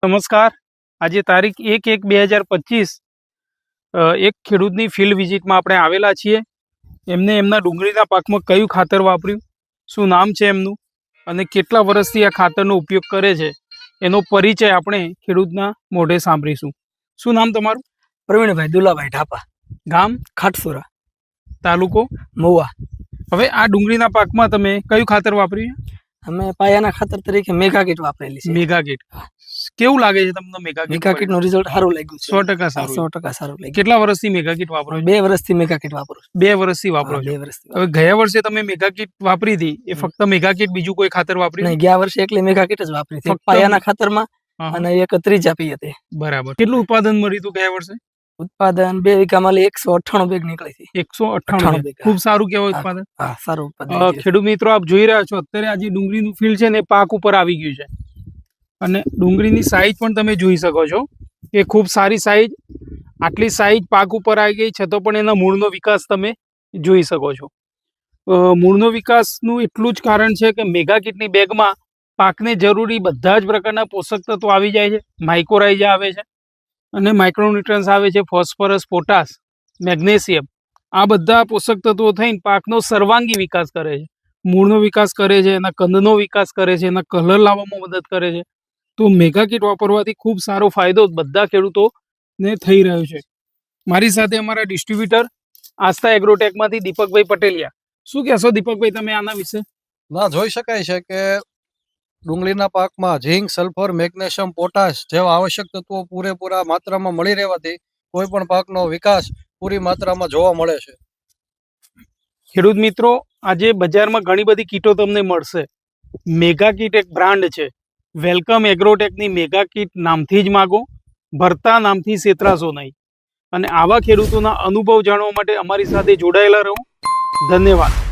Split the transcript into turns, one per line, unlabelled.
નમસ્કાર. આજે તારીખ 1/1/2025 એક ખેડૂતની ફિલ્ડ વિઝિટમાં આપણે આવેલા છીએ. એમને એમના ડુંગળીના પાકમાં કયું ખાતર વાપર્યું, શું નામ છે એમનું અને કેટલા વર્ષથી આ ખાતરનો ઉપયોગ કરે છે એનો પરિચય આપણે ખેડૂતના મોઢે સાંભળીશું. શું નામ તમારું?
પ્રવીણભાઈ દુલાભાઈ ઢાપા,
ગામ?
ખાટસુરા,
તાલુકો?
મહુવા.
હવે આ ડુંગળીના પાકમાં તમે કયું ખાતર વાપર્યું?
અમે પાયાના ખાતર તરીકે મેગા કીટ વાપરેલી છે.
Mega kit. કેવું લાગે છે તમને મેગા
કીટ નું રિઝલ્ટ સારું લાગ્યું છે.
100% સારું.
100% સારું લાગ્યું.
કેટલા વર્ષથી મેગા કીટ વાપરો છો?
2 વર્ષથી મેગા કીટ વાપરું છું.
2 વર્ષથી વાપરો છો.
2 વર્ષથી.
હવે ગયા વર્ષે તમે મેગા કીટ વાપરી હતી, એ ફક્ત મેગા કીટ, બીજું કોઈ ખાતર વાપર્યું?
નહીં, ગયા વર્ષે એકલી મેગા કીટ જ વાપરી હતી, પાયાના ખાતરમાં અને એક ત્રીજા પી હતી.
બરાબર. કેટલું ઉત્પાદન મળ્યું હતું ગયા વર્ષે?
ઉત્પાદન 2 વીઘામાં 198 બેગ નીકળી હતી.
198 બેગ. ખૂબ સારું કહેવાય ઉત્પાદન.
હા, સારું ઉત્પાદન.
ખેડૂત મિત્રો, આપ જોઈ રહ્યા છો અત્યારે આ જે ડુંગળીનું ફીલ્ડ છે ને પાક ઉપર આવી ગયું છે અને ડુંગળીની સાઈઝ પણ તમે જોઈ શકો છો કે ખૂબ સારી સાઈઝ. આટલી સાઈઝ પાક ઉપર આવી ગઈ છતાં પણ એના મૂળનો વિકાસ તમે જોઈ શકો છો. મૂળનો વિકાસનું એટલું જ કારણ છે કે મેગા કીટની બેગમાં પાકને જરૂરી બધા જ પ્રકારના પોષક તત્વો આવી જાય છે. માઇક્રોરાઇઝા આવે છે અને માઇક્રોન્યુટ્રન્સ આવે છે, ફોસ્ફરસ, પોટાશ, મેગ્નેશિયમ. આ બધા પોષક તત્વો થઈને પાકનો સર્વાંગી વિકાસ કરે છે, મૂળનો વિકાસ કરે છે, એના કંદનો વિકાસ કરે છે, એના કલર લાવવામાં મદદ કરે છે. તો મેગા કીટ વાપરવાથી ખૂબ સારો ફાયદો બધા ખેડૂતોને થઈ રહ્યો છે. મારી સાથે અમારા ડિસ્ટ્રીબ્યુટર આસ્થા એગ્રોટેકમાંથી દીપકભાઈ પટેલિયા. શું કહેશો દીપકભાઈ તમે આના વિશે?
ના, જોઈ શકાય છે કે ડુંગળીના પાકમાં ઝીંક, સલ્ફર, મેગ્નેશિયમ, પોટાશ જેવા આવશ્યક તત્વો પૂરેપૂરા માત્રામાં મળી રહેવાથી કોઈ પણ પાકનો વિકાસ પૂરી માત્રામાં જોવા મળે છે.
ખેડૂત મિત્રો, આજે બજારમાં ઘણી બધી કીટો તમને મળશે. મેગા કીટ એક બ્રાન્ડ છે. વેલકમ એગ્રોટેકની મેગા કીટ નામથી જ માગો, ભરતા નામથી છેતરાશો નહીં. અને આવા ખેડૂતોના અનુભવ જાણવા માટે અમારી સાથે જોડાયેલા રહો. ધન્યવાદ.